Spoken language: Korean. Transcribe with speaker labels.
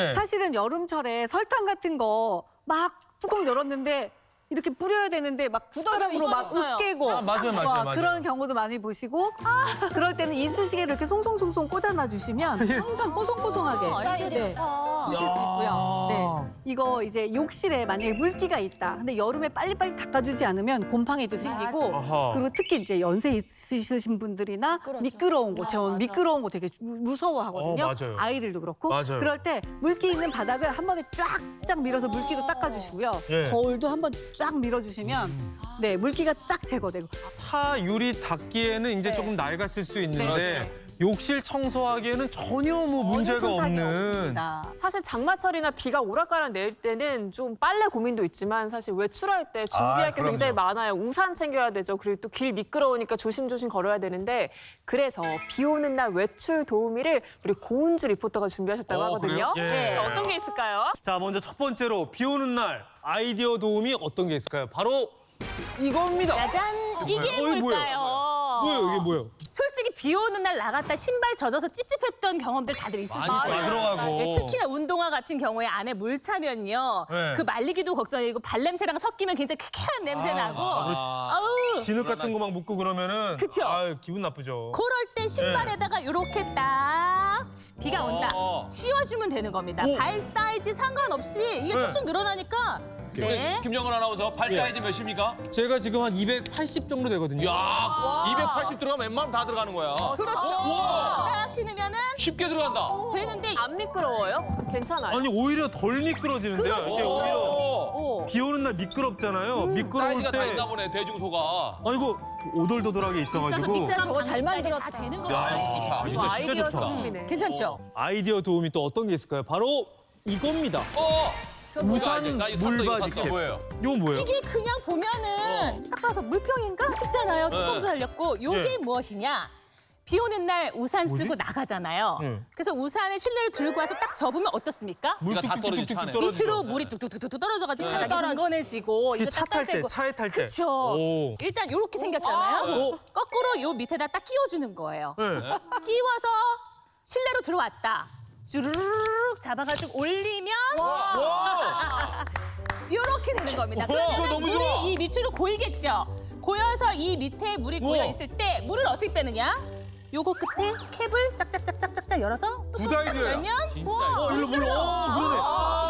Speaker 1: 사실은 여름철에 설탕 같은 거 막 뚜껑 열었는데 이렇게 뿌려야 되는데 막 숟가락으로 막 으깨고
Speaker 2: 맞아요.
Speaker 1: 그런 경우도 많이 보시고 그럴 때는 이쑤시개를 이렇게 송송송송 꽂아놔 주시면 항상 뽀송뽀송하게 드실 수 있고요. 네. 이거 이제 욕실에 만약에 물기가 있다. 근데 여름에 빨리빨리 닦아주지 않으면 곰팡이도 생기고 그리고 특히 이제 연세 있으신 분들이나 미끄러운 거, 저 미끄러운 거 되게 무서워하거든요.
Speaker 2: 맞아요.
Speaker 1: 아이들도 그렇고.
Speaker 2: 맞아요.
Speaker 1: 그럴 때 물기 있는 바닥을 한 번에 쫙쫙 밀어서 물기도 닦아주시고요.
Speaker 2: 예.
Speaker 1: 거울도 한 번 쫙 밀어주시면 네 물기가 쫙 제거되고.
Speaker 2: 차 유리 닦기에는 이제 조금 낡았을 수 있는데 욕실 청소하기에는 전혀 뭐 문제가
Speaker 1: 전혀 손상이
Speaker 2: 없는.
Speaker 1: 없습니다.
Speaker 3: 사실 장마철이나 비가 오락가락 내릴 때는 좀 빨래 고민도 있지만 사실 외출할 때 준비할 게 굉장히 많아요. 우산 챙겨야 되죠. 그리고 또 길 미끄러우니까 조심조심 걸어야 되는데 그래서 비 오는 날 외출 도우미를 우리 고은주 리포터가 준비하셨다고 하거든요.
Speaker 2: 그래요? 예.
Speaker 3: 네, 어떤 게 있을까요?
Speaker 2: 자, 먼저 첫 번째로 비 오는 날 아이디어 도움이 어떤 게 있을까요? 바로 이겁니다.
Speaker 4: 짜잔! 이게
Speaker 2: 뭐예요?
Speaker 4: 뭘까요?
Speaker 2: 뭐예요? 이게 뭐예요?
Speaker 4: 솔직히 비 오는 날 나갔다 신발 젖어서 찝찝했던 경험들 다들 있으시죠?
Speaker 2: 많이 들어가고.
Speaker 4: 네, 특히나 운동화 같은 경우에 안에 물 차면요.
Speaker 2: 네.
Speaker 4: 그 말리기도 걱정이고 발냄새랑 섞이면 굉장히 쾌쾌한 냄새 나고. 아우.
Speaker 2: 진흙 같은 거 막 묻고 그러면은
Speaker 4: 그쵸?
Speaker 2: 아유, 기분 나쁘죠.
Speaker 4: 그럴 때 신발에다가 이렇게 딱 비가 온다. 씌워주면 되는 겁니다.
Speaker 2: 오.
Speaker 4: 발 사이즈 상관없이 이게
Speaker 2: 네.
Speaker 4: 쭉쭉 늘어나니까. 네.
Speaker 5: 김영건 아나운서 발 사이즈 몇입니까?
Speaker 2: 제가 지금 한 280 정도 되거든요.
Speaker 5: 야, 280 들어가면 웬만하면 다 들어가는 거야.
Speaker 4: 그렇죠. 딱 신으면은
Speaker 5: 쉽게 들어간다.
Speaker 4: 되는데
Speaker 3: 안 미끄러워요? 괜찮아요?
Speaker 2: 아니 오히려 덜 미끄러지는데요. 제가 오히려
Speaker 5: 오,
Speaker 2: 비 오는 날 미끄럽잖아요. 미끄러울
Speaker 5: 사이즈가 다
Speaker 2: 때
Speaker 5: 있나 보네, 대중소가.
Speaker 2: 아니 이거 오돌도돌하게 있어가지고
Speaker 4: 밑자락 저거 잘 만들었다. 다 되는 거예요.
Speaker 5: 좋다.
Speaker 2: 진짜
Speaker 3: 아이디어
Speaker 2: 좋다.
Speaker 3: 상품이네.
Speaker 4: 괜찮죠?
Speaker 2: 아이디어 도움이 또 어떤 게 있을까요? 바로 이겁니다. 우산
Speaker 5: 나 이거 샀어, 이거
Speaker 2: 물바지
Speaker 5: 샀어.
Speaker 2: 캡.
Speaker 5: 뭐예요?
Speaker 2: 이거 뭐예요?
Speaker 4: 이게 그냥 보면은 딱 봐서 물병인가 싶잖아요. 뚜껑도 달렸고 이게
Speaker 2: 네.
Speaker 4: 무엇이냐? 비 오는 날 우산 쓰고 나가잖아요.
Speaker 2: 네.
Speaker 4: 그래서 우산을 실내로 들고 와서 딱 접으면 어떻습니까?
Speaker 2: 물
Speaker 5: 다 떨어지죠,
Speaker 2: 뚝뚝뚝뚝
Speaker 5: 차네.
Speaker 2: 떨어지죠.
Speaker 4: 밑으로 물이 뚝뚝뚝뚝 떨어져가지고 바닥이 흥건해지고
Speaker 2: 특히
Speaker 4: 이거
Speaker 2: 차 탈 때,
Speaker 4: 딱딱대고.
Speaker 2: 차에 탈 때.
Speaker 4: 그쵸.
Speaker 2: 오.
Speaker 4: 일단 이렇게 생겼잖아요.
Speaker 2: 오.
Speaker 4: 거꾸로 요 밑에다 딱 끼워주는 거예요.
Speaker 2: 네.
Speaker 4: 끼워서 실내로 들어왔다. 주르륵 잡아가지고 올리면 이렇게 되는 겁니다.
Speaker 2: 이거
Speaker 4: 그러면
Speaker 2: 너무
Speaker 4: 물이
Speaker 2: 좋아.
Speaker 4: 이 밑으로 고이겠죠. 고여서 이 밑에 물이 고여 있을 때 물을 어떻게 빼느냐? 요거 끝에 캡을 짝짝짝짝짝짝 열어서 뚜껑 딱
Speaker 2: 아이디어야.
Speaker 4: 열면
Speaker 5: 진짜.
Speaker 2: 일로 물러. 그러네.